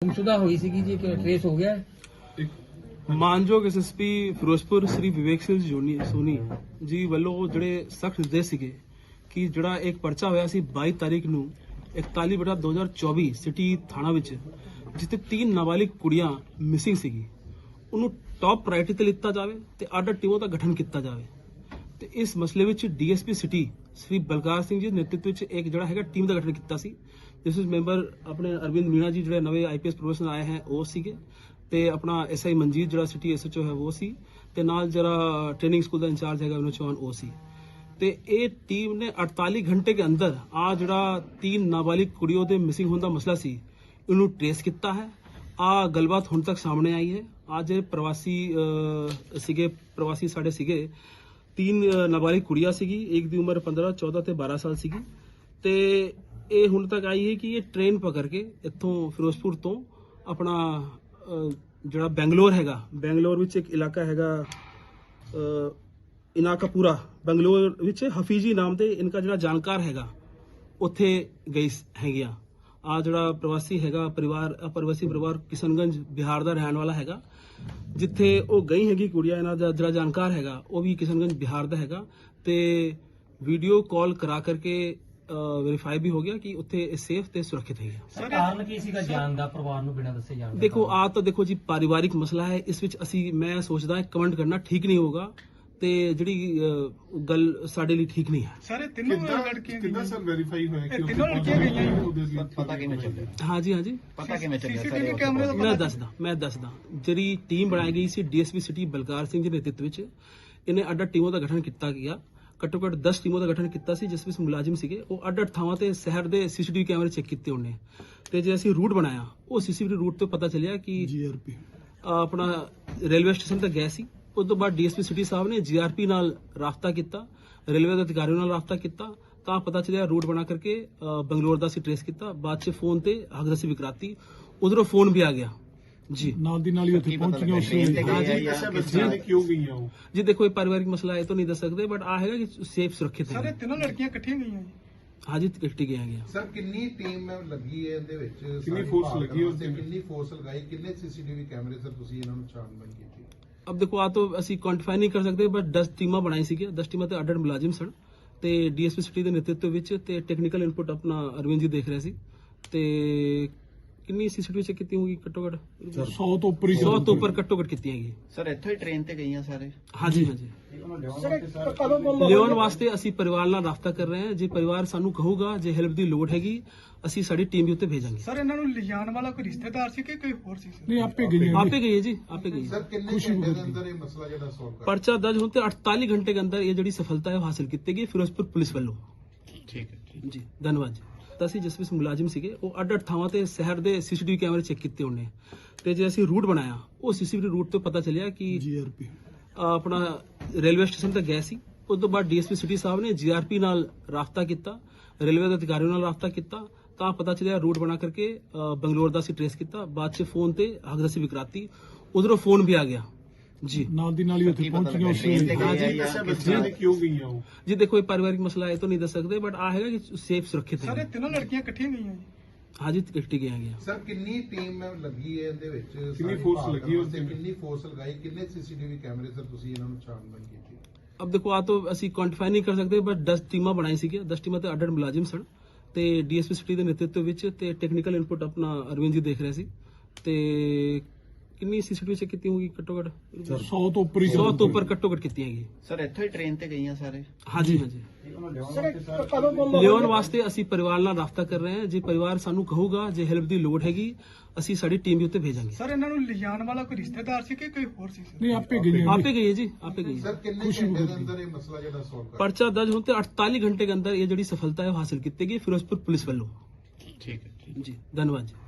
ਗੁੰਮਸ਼ੁਦਾ ਹੋਈ ਸੀਗੀ ਜੀ, ਕਿ ਟ੍ਰੇਸ ਹੋ ਗਿਆ? ਮਾਨਯੋਗ ਐਸਐਸਪੀ ਫਿਰੋਜ਼ਪੁਰ ਸ੍ਰੀ ਵਿਵੇਕ ਸਿੰਘ ਸੋਨੀ ਜੀ ਵੱਲੋਂ ਜਿਹੜੇ ਸਖਤ ਨਿਰਦੇਸ਼ ਸੀਗੇ ਕਿ ਜਿਹੜਾ ਇੱਕ ਪਰਚਾ ਹੋਇਆ ਸੀ 22 ਤਾਰੀਖ ਨੂੰ 41/2024 ਸਿਟੀ ਥਾਣਾ ਵਿੱਚ, ਜਿੱਥੇ 3 ਨਾਬਾਲਿਗ ਕੁੜੀਆਂ ਮਿਸਿੰਗ ਸੀਗੀ, ਉਹਨੂੰ ਟੌਪ ਪ੍ਰਾਇੋਰਟੀ ਤੇ ਲਿੱਤਾ ਜਾਵੇ ਤੇ ਅੱਡ ਟੀਮਾਂ ਦਾ ਗਠਨ ਕੀਤਾ ਜਾਵੇ। ਤੇ ਇਸ ਮਸਲੇ ਵਿੱਚ ਡੀਐਸਪੀ ਸਿਟੀ ਸ੍ਰੀ ਬਲਕਾਰ ਸਿੰਘ ਜੀ ਦੇ ਨੇਤਰਤਵ ਵਿੱਚ ਇੱਕ ਜਿਹੜਾ ਹੈਗਾ ਟੀਮ ਦਾ ਗਠਨ ਕੀਤਾ ਸੀ, ਜਿਸ ਵਿੱਚ ਮੈਂਬਰ ਆਪਣੇ ਅਰਵਿੰਦ ਮੀਣਾ ਜੀ ਜਿਹੜੇ ਨਵੇਂ ਆਈਪੀਐਸ ਪ੍ਰੋਫੈਸਰ ਆਏ ਹਨ ਉਹ ਸੀਗੇ, ਤੇ ਆਪਣਾ ਐਸਆਈ ਮਨਜੀਤ ਜਿਹੜਾ ਸਿਟੀ ਐਸਐਚਓ ਹੈ ਉਹ ਸੀ, ਤੇ ਨਾਲ ਜਿਹੜਾ ਟ੍ਰੇਨਿੰਗ ਸਕੂਲ ਦਾ ਇੰਚਾਰਜ ਹੈਗਾ ਵਿਨੋਦ ਚੌਹਾਨ ਉਹ ਸੀ। ਤੇ ਇਹ ਟੀਮ ਨੇ 48 घंटे के अंदर ਆ ਜਿਹੜਾ 3 ਨਾਬਾਲਿਗ ਕੁੜੀਆਂ ਦੇ ਮਿਸਿੰਗ ਹੋਣ ਦਾ ਮਸਲਾ ਸੀ ਇਹਨੂੰ ਟ੍ਰੇਸ ਕੀਤਾ ਹੈ। ਆ ਗੱਲਬਾਤ ਹੁਣ ਤੱਕ ਸਾਹਮਣੇ ਆਈ ਹੈ। ਅੱਜ ਪ੍ਰਵਾਸੀ ਸਾਡੇ ਸੀਗੇ 3 ਨਾਬਾਲਿਗ ਕੁੜੀਆਂ ਸੀਗੀ, ਇੱਕ ਦੀ ਉਮਰ 15, 14 ਤੇ 12 ਸਾਲ ਸੀਗੀ, ਤੇ ਇਹ ਹੁਣ ਤੱਕ ਆਈ ਹੈ ਕਿ ਇਹ ਟ੍ਰੇਨ ਪਕੜ ਕੇ ਇੱਥੋਂ ਫਿਰੋਜ਼ਪੁਰ ਤੋਂ ਆਪਣਾ ਜਿਹੜਾ ਬੈਂਗਲੌਰ ਹੈਗਾ, ਬੈਂਗਲੌਰ ਵਿੱਚ ਇੱਕ ਇਲਾਕਾ ਹੈਗਾ ਇਨਾਕਾਪੂਰਾ, ਬੰਗਲੌਰ ਵਿੱਚ ਹਫੀਜੀ ਨਾਮ ਦੇ ਇਨਕਾ ਜਿਹੜਾ ਜਾਣਕਾਰ ਹੈਗਾ ਉੱਥੇ ਗਈ ਹੈਗੀਆਂ। ਆ ਜਿਹੜਾ ਪ੍ਰਵਾਸੀ ਹੈਗਾ ਪ੍ਰਵਾਸੀ ਪਰਿਵਾਰ ਕਿਸ਼ਨਗੰਜ ਬਿਹਾਰ ਦਾ ਰਹਿਣ ਵਾਲਾ ਹੈਗਾ, ਜਿੱਥੇ ਉਹ ਗਈ ਹੈਗੀ ਕੁੜੀਆਂ, ਇਹਨਾਂ ਦਾ ਜਿਹੜਾ ਜਾਣਕਾਰ ਹੈਗਾ ਉਹ ਵੀ ਕਿਸ਼ਨਗੰਜ ਬਿਹਾਰ ਦਾ ਹੈਗਾ, ਤੇ ਵੀਡੀਓ ਕਾਲ ਕਰਾ ਕਰਕੇ ਵੈਰੀਫਾਈ ਵੀ ਹੋ ਗਿਆ ਕਿ ਉੱਥੇ ਇਹ ਸੇਫ ਤੇ ਸੁਰੱਖਿਅਤ ਹੈਗਾ। ਸਰ ਕਾਰਨ ਕੀ ਸੀਗਾ ਜਾਣ ਦਾ, ਪਰਿਵਾਰ ਨੂੰ ਬਿਨਾਂ ਦੱਸੇ ਜਾਣ ਦਾ? ਦੇਖੋ ਜੀ ਪਾਰਿਵਾਰਿਕ ਮਸਲਾ ਹੈ, ਇਸ ਵਿੱਚ ਮੈਂ ਸੋਚਦਾ ਕਮੈਂਟ ਕਰਨਾ ਠੀਕ ਨਹੀਂ ਹੋਗਾ, ਤੇ ਜਿਹੜੀ ਗੱਲ ਸਾਡੇ ਲਈ ਠੀਕ ਨਹੀਂ ਹੈ। ਸਾਰੇ ਤਿੰਨੋਂ ਲੜਕੀਆਂ ਕਿੱਦਾਂ ਸਰ ਵੈਰੀਫਾਈ ਹੋਇਆ ਕਿ ਤਿੰਨੋਂ ਲੜਕੀਆਂ ਗਈਆਂ? ਪਤਾ ਕਿਵੇਂ ਚੱਲਿਆ? ਹਾਂਜੀ ਪਤਾ ਕਿਵੇਂ ਚੱਲਿਆ? ਸੀਸੀਟੀਵੀ ਕੈਮਰੇ ਦਾ ਮੈਂ ਦੱਸਦਾ ਜਿਹੜੀ ਟੀਮ ਬਣਾਈ ਗਈ ਸੀ ਡੀਐਸਪੀ ਸਿਟੀ ਬਲਕਾਰ ਸਿੰਘ ਜੀ ਦੇ ਨੇਤਰਤਵ ਵਿੱਚ, ਇਹਨੇ ਅੱਡ ਟੀਮਾਂ ਦਾ ਗਠਨ ਕੀਤਾ ਗਿਆ। ਘੱਟੋ ਘੱਟ 10 ਟੀਮਾਂ ਦਾ ਗਠਨ ਕੀਤਾ ਸੀ, ਜਿਸ ਵਿੱਚ ਮੁਲਾਜ਼ਮ ਸੀਗੇ ਉਹ ਅੱਡ ਥਾਵਾਂ ਤੇ ਸ਼ਹਿਰ ਦੇ ਸੀਸੀਟੀਵੀ ਕੈਮਰੇ ਚੈੱਕ ਕੀਤੇ ਉਹਨੇ, ਤੇ ਜੇ ਅਸੀਂ ਰੂਟ ਬਣਾਇਆ ਉਹ ਸੀਸੀਟੀਵੀ ਰੂਟ ਤੋਂ ਪਤਾ ਚੱਲਿਆ ਕਿ ਜੀਆਰਪੀ ਆਪਣਾ ਰੇਲਵੇ ਸਟੇਸ਼ਨ ਤੱਕ ਗਏ ਸੀ। ਉਸ ਤੋਂ ਬਾਅਦ ਡੀਐਸਪੀ ਸਿਟੀ ਸਾਹਿਬ ਨੇ ਜੀਆਰਪੀ ਨਾਲ ਰਾਬਤਾ ਕੀਤਾ, ਰੇਲਵੇ ਦੇ ਅਧਿਕਾਰੀਆਂ ਨਾਲ ਰਾਬਤਾ ਕੀਤਾ, ਤਾਂ ਪਤਾ ਚੱਲਿਆ ਰੂਟ ਬਣਾ ਕਰਕੇ ਬੰਗਲੌਰ ਦਾ ਅਸੀਂ ਟ੍ਰੇਸ ਕੀਤਾ। ਬਾਅਦ ਚ ਫੋਨ ਤੇ ਹਗਦਸੀ ਵਿਕਰਾਤੀ ਉਧਰੋਂ ਫੋਨ ਵੀ ਆ ਗਿਆ ਜੀ, ਨਾਲ ਦੀ ਨਾਲ ਹੀ ਉੱਥੇ ਪਹੁੰਚੀਆਂ ਉਸ ਵੇਲੇ ਕਿਉਂ ਗਈਆਂ ਉਹ? ਜੀ ਦੇਖੋ ਇਹ ਪਾਰਿਵਾਰਿਕ ਮਸਲਾ ਹੈ, ਇਹ ਤਾਂ ਨਹੀਂ ਦੱਸ ਸਕਦੇ, ਬਟ ਆ ਹੈਗਾ ਕਿ ਸੇਫ ਸੁਰੱਖਿਅਤ ਹੈ। ਸਾਰੇ ਤਿੰਨੋਂ ਲੜਕੀਆਂ ਇਕੱਠੀਆਂ ਗਈਆਂ ਜੀ? ਹਾਂਜੀ ਇਕੱਠੀ ਗਈਆਂ ਗਿਆ। ਸਰ ਕਿੰਨੀ ਟੀਮ ਲੱਗੀ ਹੈ ਇਹਦੇ ਵਿੱਚ, ਕਿੰਨੀ ਫੋਰਸ ਲੱਗੀ ਹੈ, ਕਿੰਨੀ ਫੋਰਸ ਲਗਾਈ, ਕਿੰਨੇ ਸੀਸੀਟੀਵੀ ਕੈਮਰੇ ਸਰ ਤੁਸੀਂ ਇਹਨਾਂ ਨੂੰ ਛਾਣਬੀਨ ਕੀਤੀ? अब देखो तो ਅਸੀਂ ਕੁਆਂਟੀਫਾਈ ਨਹੀਂ ਕਰ ਸਕਦੇ, ਬਟ 10 ਟੀਮਾਂ ਬਣਾਈ ਸੀਗੀਆਂ, 10 ਟੀਮਾਂ ਤੇ ਅੱਡ ਮੁਲਾਜ਼ਮ ਸਨ, ਤੇ ਡੀਐਸਪੀ ਸਿਟੀ ਦੇ ਨੇਤਰਤਵ ਵਿੱਚ ਤੇ ਟੈਕਨੀਕਲ ਇਨਪੁਟ ਆਪਣਾ ਅਰਵਿੰਦ ਜੀ ਦੇਖ ਰਹੇ ਸੀ। ਤੇ ਕਿੰਨੀ ਸੀਸੀਟੀਵੀ ਚੈੱਕ ਕੀਤੀ ਹੋਊਗੀ? ਘੱਟੋ ਘੱਟ 100 ਤੋਂ ਉੱਪਰ 100 ਤੋਂ ਉੱਪਰ ਘੱਟੋ ਘੱਟ ਕੀਤੀ ਹੈਗੀ ਸਰ। ਇੱਥੋਂ ਹੀ ਟ੍ਰੇਨ ਤੇ ਗਈਆਂ ਸਾਰੇ? ਹਾਂਜੀ ਲਿਆਉਣ ਵਾਸਤੇ ਅਸੀਂ ਪਰਿਵਾਰ ਨਾਲ ਰਾਬਤਾ ਕਰ ਰਹੇ ਹਾਂ। ਜੇ ਪਰਿਵਾਰ ਸਾਨੂੰ ਕਹੂਗਾ, ਜੇ ਹੈਲਪ ਦੀ ਲੋੜ ਹੈਗੀ, ਅਸੀਂ ਸਾਡੀ ਟੀਮ ਵੀ ਉੱਤੇ ਭੇਜਾਂਗੇ। ਸਰ ਇਹਨਾਂ ਨੂੰ ਲਿਜਾਣ ਵਾਲਾ ਕੋਈ ਰਿਸ਼ਤੇਦਾਰ ਸੀ ਕਿ ਕੋਈ ਹੋਰ ਸੀ? ਨਹੀਂ ਆਪੇ ਗਈ ਹੈ ਜੀ, ਆਪੇ ਗਈ। ਸਰ ਕਿੰਨੇ ਘੰਟੇ ਦੇ ਅੰਦਰ ਇਹ ਮਸਲਾ ਜਿਹੜਾ ਸੋਲਵ ਕਰ? ਪਰਚਾ ਦਰਜ ਹੋਣ ਤੇ 48 घंटे के अंदर ये ਜਿਹੜੀ ਸਫਲਤਾ ਹੈ ਹਾਸਲ ਕੀਤੀ ਗਈ ਫਿਰੋਜ਼ਪੁਰ ਪੁਲਿਸ ਵੱਲੋਂ। ਠੀਕ ਹੈ ਜੀ ਧੰਨਵਾਦ ਜੀ। ਤਾਂ ਅਸੀਂ ਜਿਸ ਵਿੱਚ ਮੁਲਾਜ਼ਮ ਸੀਗੇ ਉਹ ਅੱਡ ਥਾਵਾਂ ਤੇ ਸ਼ਹਿਰ ਦੇ ਸੀਸੀਟੀਵੀ ਕੈਮਰੇ ਚੈੱਕ ਕੀਤੇ ਉਹਨੇ, ਤੇ ਜੇ ਅਸੀਂ ਰੂਟ ਬਣਾਇਆ ਉਹ ਸੀਸੀਟੀਵੀ ਰੂਟ ਤੋਂ ਪਤਾ ਚੱਲਿਆ ਕਿ ਜੀਆਰਪੀ ਆਪਣਾ ਰੇਲਵੇ ਸਟੇਸ਼ਨ ਤੱਕ ਗਏ ਸੀ। ਉਸ ਤੋਂ ਬਾਅਦ ਡੀਐਸਪੀ ਸਿਟੀ ਸਾਹਿਬ ਨੇ ਜੀਆਰਪੀ ਨਾਲ ਰਾਬਤਾ ਕੀਤਾ, ਰੇਲਵੇ ਦੇ ਅਧਿਕਾਰੀਆਂ ਨਾਲ ਰਾਬਤਾ ਕੀਤਾ, ਤਾਂ ਪਤਾ ਚੱਲਿਆ ਰੂਟ ਬਣਾ ਕਰਕੇ ਬੰਗਲੌਰ ਦਾ ਅਸੀਂ ਟ੍ਰੇਸ ਕੀਤਾ। ਬਾਅਦ ਚ ਫੋਨ ਤੇ ਹਗਦਸੀ ਵਿਕਰਾਤੀ ਉਧਰੋਂ ਫੋਨ ਵੀ ਆ ਗਿਆ ਜੀ, ਨਾਲ ਦੀ ਨਾਲ ਹੀ ਉੱਥੇ ਪਹੁੰਚੀਆਂ ਉਸ ਵੇਲੇ ਕਿਉਂ ਗਈਆਂ ਉਹ? ਜੀ ਦੇਖੋ ਇਹ ਪਾਰਿਵਾਰਿਕ ਮਸਲਾ ਹੈ, ਇਹ ਤਾਂ ਨਹੀਂ ਦੱਸ ਸਕਦੇ, ਬਟ ਆ ਹੈਗਾ ਕਿ ਸੇਫ ਸੁਰੱਖਿਅਤ ਹੈ। ਸਾਰੇ ਤਿੰਨੋਂ ਲੜਕੀਆਂ ਇਕੱਠੀਆਂ ਗਈਆਂ ਜੀ? ਹਾਂਜੀ ਇਕੱਠੀ ਗਈਆਂ ਗਿਆ। ਸਰ ਕਿੰਨੀ ਟੀਮ ਲੱਗੀ ਹੈ ਇਹਦੇ ਵਿੱਚ, ਕਿੰਨੀ ਫੋਰਸ ਲੱਗੀ ਹੈ, ਕਿੰਨੀ ਫੋਰਸ ਲਗਾਈ, ਕਿੰਨੇ ਸੀਸੀਟੀਵੀ ਕੈਮਰੇ ਸਰ ਤੁਸੀਂ ਇਹਨਾਂ ਨੂੰ ਛਾਣਬੀਨ ਕੀਤੀ? अब देखो तो ਅਸੀਂ ਕੁਆਂਟੀਫਾਈ ਨਹੀਂ ਕਰ ਸਕਦੇ, ਬਟ 10 ਟੀਮਾਂ ਬਣਾਈ ਸੀਗੀਆਂ, 10 ਟੀਮਾਂ ਤੇ ਅੱਡ ਮੁਲਾਜ਼ਮ ਸਨ, ਤੇ ਡੀਐਸਪੀ ਸਿਟੀ ਦੇ ਨੇਤਰਤਵ ਵਿੱਚ ਤੇ ਟੈਕਨੀਕਲ ਇਨਪੁਟ ਆਪਣਾ ਅਰਵਿੰਦ ਜੀ ਦੇਖ ਰਹੇ ਸੀ। ਤੇ ਕਿੰਨੀ ਸੀਸੀਟੀਵੀ ਚੈੱਕ ਕੀਤੀ ਹੋਊਗੀ? ਘੱਟੋ ਘੱਟ 100 ਤੋਂ ਉੱਪਰ 100 ਤੋਂ ਉੱਪਰ ਘੱਟੋ ਘੱਟ ਕੀਤੀ ਹੈਗੀ। ਸਰ ਇੱਥੋਂ ਹੀ ਟ੍ਰੇਨ ਤੇ ਗਈਆਂ ਸਾਰੇ? ਹਾਂਜੀ ਲਿਆਉਣ ਵਾਸਤੇ ਅਸੀਂ ਪਰਿਵਾਰ ਨਾਲ ਰਾਬਤਾ ਕਰ ਰਹੇ ਹਾਂ। ਜੇ ਪਰਿਵਾਰ ਸਾਨੂੰ ਕਹੂਗਾ, ਜੇ ਹੈਲਪ ਦੀ ਲੋੜ ਹੈਗੀ, ਅਸੀਂ ਸਾਡੀ ਟੀਮ ਵੀ ਉੱਤੇ ਭੇਜਾਂਗੇ। ਸਰ ਇਹਨਾਂ ਨੂੰ ਲਿਜਾਣ ਵਾਲਾ ਕੋਈ ਰਿਸ਼ਤੇਦਾਰ ਸੀ ਕਿ ਕੋਈ ਹੋਰ ਸੀ? ਨਹੀਂ ਆਪੇ ਗਈ ਹੈ ਜੀ, ਆਪੇ ਗਈ। ਸਰ ਕਿੰਨੇ ਘੰਟੇ ਦੇ ਅੰਦਰ ਇਹ ਮਸਲਾ ਜਿਹੜਾ ਸੋਲਵ ਕਰ? ਪਰਚਾ ਦਰਜ ਹੋਣ ਤੇ 48 घंटे के अंदर ये ਜਿਹੜੀ ਸਫਲਤਾ ਹੈ ਹਾਸਲ ਕੀਤੀ ਗਈ ਫਿਰੋਜ਼ਪੁਰ ਪੁਲਿਸ ਵੱਲੋਂ। ਠੀਕ ਹੈ ਜੀ ਧੰਨਵਾਦ ਜੀ।